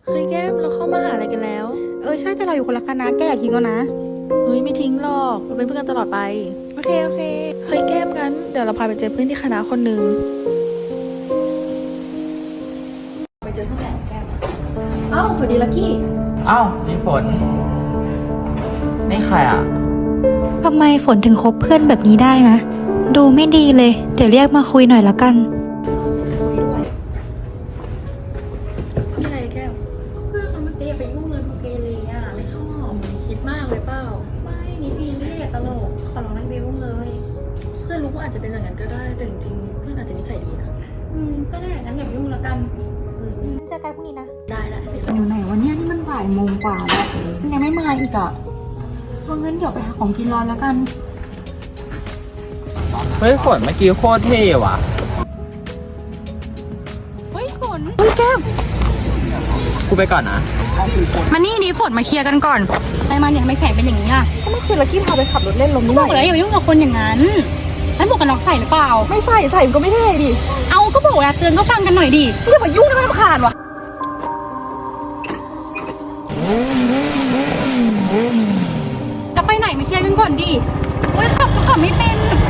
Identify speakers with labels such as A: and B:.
A: เฮ้ยแก้มเราเข้ามาหาอะไรกันแล้ว
B: ใช่แต่เราอยู่คนละคณะแกอย่าทิ้งแล้วนะ
A: เฮ้ยไม่ทิ้งหรอกเราเป็นเพื่อนกันตลอดไป
B: โอเค
A: เฮ้ยแก้มงั้นเดี๋ยวเราพาไปเจอเพื่อนที่คณะคนหนึ่งไปเจอเพื่อนแหละแก้มเอ้าสวัสดีลักกี้
C: อ้าวนี่ฝนนี่ใครอ่ะ
B: ทำไมฝนถึงคบเพื่อนแบบนี้ได้นะดูไม่ดีเลยเดี๋ยวเรียกมาคุยหน่อยละกัน
A: นี่อะไรแก้ว
D: เพื่อนเขาไม่เปไปยุ่งเลยพวกเกเรอ่ะไม่ชอบ
A: คิดมากเลยเปล่า
D: ไม่นี่ซีเรียสตลกขอร้องให้ไปยุ่งเลย
A: เพื่อนรู้ว่าอาจจะเป็นอย่างนั้นก็ได้แต่จริงๆเพื่อนอาจจะนิสัยดีนะ
D: ก็ได้งั้นอย่าไปยุ่งแล้วกัน
B: เจอกันพรุ่งนี้นะ
A: ได้
D: อยู่ไหนวันนี้นี่มันบ่ายโมงกว่าแล้วมันยังไม่มาอีกอ่ะเพราะงั้นเดี๋ยวไปหาของกินรอแล้วกัน
C: เฮ้ยฝนเมื่อกี้โคตรเท่ว่ะ
B: เฮ้ยฝน
C: กูไปก่อนนะ
B: มานี่ฝนมาเคลียร์กันก่อนไอ้มันเนี่ยไม่แข็งเป็นอย่างนี้อ่ะ
A: ก็เมื่อคืนลักกี้พาไปขับรถเล่นลมนิดห
D: บ
A: น่
D: อ
A: อก ย
D: แล้วอย่าไปยุ่งกับคนอย่างนั้นแล้วหมวกกันน็อกใส่หรือเปล่า
A: ไม่ใส่มันก็ไม่เท่ดิ
D: เอาก็บอกแล้วเตือนก็ฟังกันหน่อยดิ
A: อย่ามายุ่งนะมันรำคาญว่ะ
B: จะไปไหนมาเคลียร์กันก่อนดิโอ้ยขับก็ขับไม่เป็น